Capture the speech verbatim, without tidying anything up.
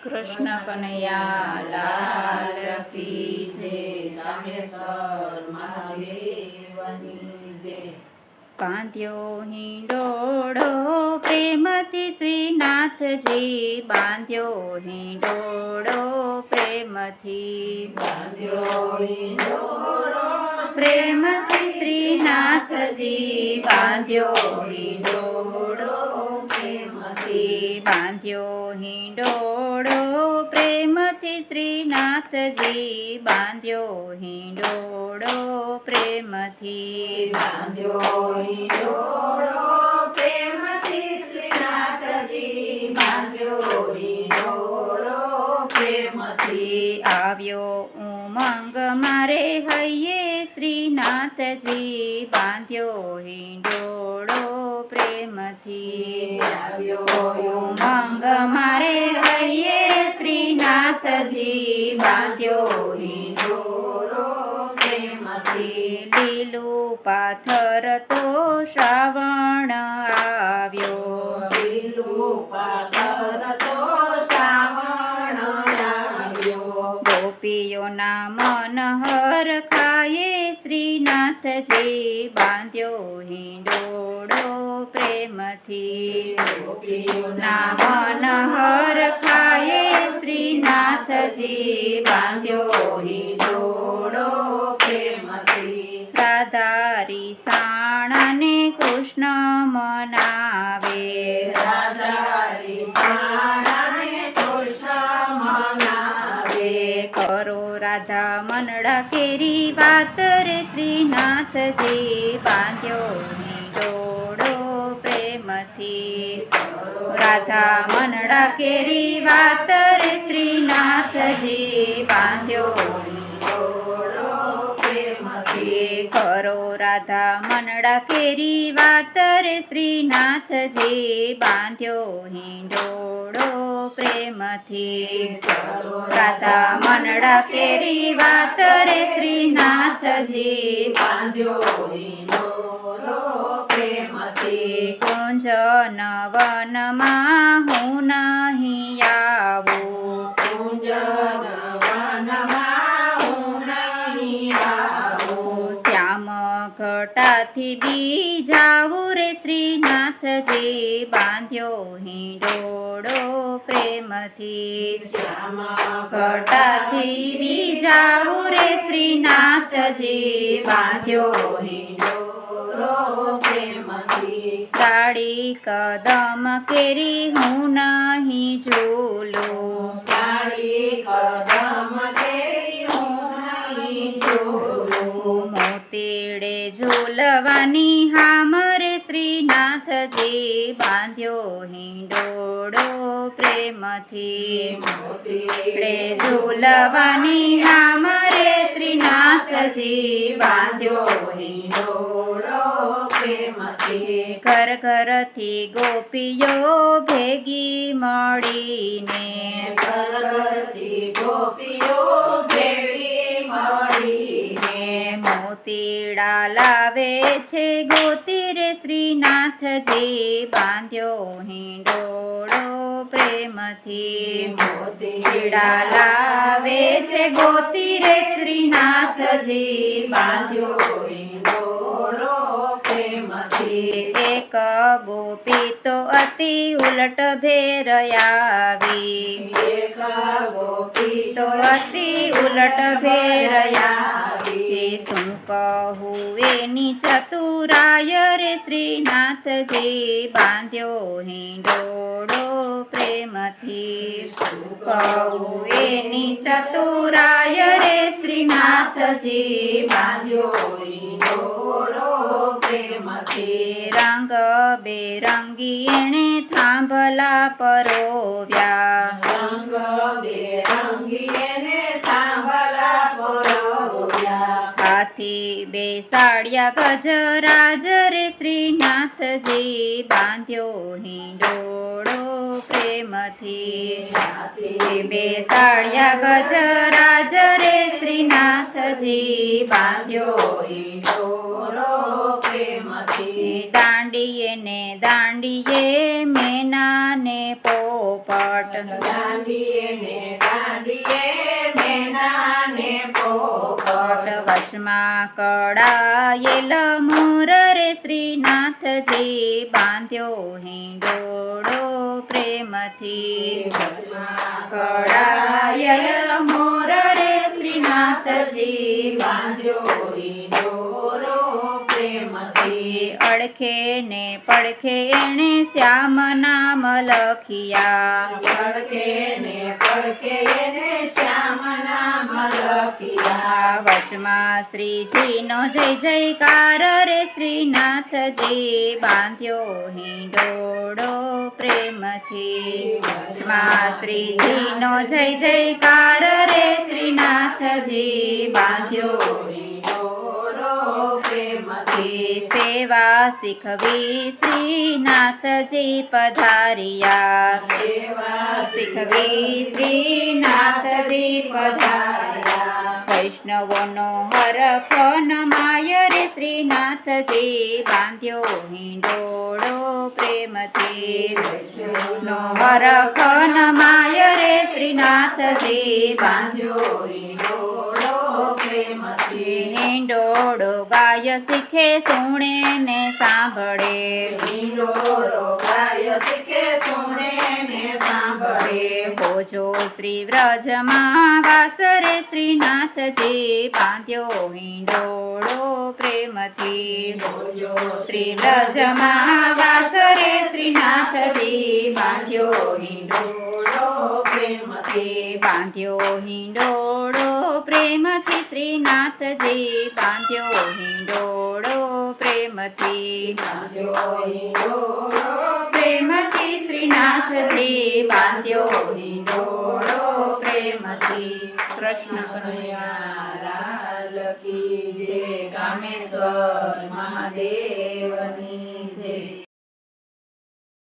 કૃષ્ણ કનૈયા લાલ કી જય. રામેશ્વર મહાદેવની જય. બાંધ્યો હિંડોળો પ્રેમથી શ્રીનાથજી, બાંધ્યો હિંડોળો પ્રેમથી, બાંધ્યો હિંડોળો પ્રેમથી શ્રીનાથજી, બાંધ્યો હિંડોળો પ્રેમથી, બાંધ્યો હિંડોળો પ્રેમથી શ્રીનાથજી, બાંધ્યો હિંડોળો પ્રેમથી, બાંધ્યો હિંડોળો પ્રેમથી શ્રીનાથજી, બાંધ્યો હિંડોળો પ્રેમથી. આવ્યો ઉમંગ મારે હૈયે શ્રીનાથજી, બાંધ્યો હિંડોળો પ્રેમથી, આવ્યો ઉમંગ મારે હૈયે શ્રીનાથજી, બાંધ્યો હિંડોળો પ્રેમથી. લીલું પાથર તો શ્રાવણ આવ્યો, લીલું પાથર તો શ્રાવણ આવ્યો. ગોપીઓના મન હરખાયે શ્રીનાથજી, બાંધ્યો હિંડોળો પ્રેમથી, ગોપીઓના મન હરખાયે શ્રીનાથજી, બાંધ્યો હિંડોળો પ્રેમથી. રાધારી સાણને કૃષ્ણ મનાવે, રાધારી સાણાને કૃષ્ણ મનાવે. કરો રાધા મનડા કેરી વાત રે શ્રીનાથજી, બાંધ્યો હિંડોળો પ્રેમથી, રાધા મનડા કેરી વાત રે શ્રીનાથજી, બાંધ્યો હિંડોળો પ્રેમથી. કરો રાધા મનડા કેરી વાત રે શ્રીનાથજી, બાંધ્યો હિંડોળો પ્રેમથી, રાધા મનડા કેરી વાત રે શ્રીનાથજી, બાંધ્યો હિંડોળો પ્રેમથી. કુંજ નવનમાં હું નહીં આવું, કુંજ વનમાં હું નહીં આવું. શ્યામ ઘટાથી બી જાવું રે શ્રીનાથજી, બાંધ્યો હિંડોળો પ્રેમથી, શ્યામ ઘટાથી બી જાવું રે શ્રીનાથજી, બાંધ્યો હિંડોળો પ્રેમથી. કાળી કદમ કેરી હું નહીં ઝૂલું, કાળી કદમ કેરી હું નહીં ઝૂલું. મોતીડે ઝૂલવાની હામરે શ્રીનાથજી, બાંધ્યો હિંડોળો પ્રેમથી, મોતીડે ઝૂલવાની હામરે શ્રીનાથજી, બાંધ્યો હિંડોળો પ્રેમથી. ઘર ઘરથી ગોપીઓ ભેગી મળીને, ઘર ઘરથી ગોપીઓ ભેગી મળીને. મોતીડા લાવે છે ગોતી રે શ્રીનાથજી, બાંધ્યો હિંડોળો પ્રેમથી, મોતીડા લાવે છે ગોતી રે શ્રીનાથજી, બાંધ્યો હિંડોળો પ્રેમથી. એક ગોપી તો અતિ ઉલટ ભેર આવી, એક ગોપી તો અતિ ઉલટ ભેર આવી. શું કહું એની ચતુરાય રે શ્રીનાથજી, બાંધ્યો હિંડોળો પ્રેમથી, શું કહું એની ચતુરાય રે શ્રીનાથજી, બાંધ્યો હિંડોળો પ્રેમથી. રંગ બેરંગી એણે થાંભલા પરોવ્યા, રંગ બેરંગી એને થાંભલા પરોવ્યા. હાથી બેસાડ્યા ગજરાજ રે શ્રીનાથજી, બાંધ્યો હિંડોળો પ્રેમથી, હાથી બેસાડ્યા ગજરાજ રે શ્રીનાથજી, બાંધ્યો હિંડોળો પ્રેમથી. પ્રેમથી દાંડીએ ને દાંડીએ મેના ને પોપટ દાંડીએ ને દાંડીએ મેના ને પોપટ વચમાં કડાયેલ મોર રે શ્રીનાથજી બાંધ્યો હિંડોળો પ્રેમથી કડાયેલ મોર રે શ્રીનાથજી બાંધ્યો હિંડોરો પ્રેમથી અડખે ને પડખે એણે શ્યામ નામ લખિયા પડખે ને પડખે એને શ્યામ નામ લખિયા વચમાં શ્રીજીનો જય જયકાર રે શ્રીનાથજી બાંધ્યો હિંડોળો પ્રેમથી વચમાં શ્રીજીનો જય જયકાર રે શ્રીનાથજી બાંધ્યો હિંડોરો પ્રેમથી સેવા શીખવી શ્રીનાથજી પધાર્યા સેવા શીખવી શ્રીનાથજી પધાર્યા વૈષ્ણવોનો હરખ નમાય રે શ્રીનાથજી બાંધ્યો હિંડોળો પ્રેમથી નો હરખ નમાય રે શ્રીનાથજી બાંધ્યો હિંડોરો પ્રેમથી હિંડોળો ગાય શીખે સુણે ને સાંભળે હિંડોળો ગાય શીખે સુણે ને સાંભળે ભોજો શ્રી વ્રજમાં વાસ રે શ્રીનાથજી બાંધ્યો હિંડોળો પ્રેમથી બોજો શ્રી વ્રજમાં વાસ રે શ્રીનાથજી બાંધ્યો હિંડોળો પ્રેમથી બાંધ્યો હિંડોળો પ્રેમથી શ્રીનાથજી બાંધ્યો હિંડોળો પ્રેમથી બાંધ્યો હિંડોળો પ્રેમથી શ્રીનાથજી બાંધ્યો હિંડોળો પ્રેમથી કૃષ્ણ કનૈયા લાલ કી જય કામેશ્વર મહાદેવની જય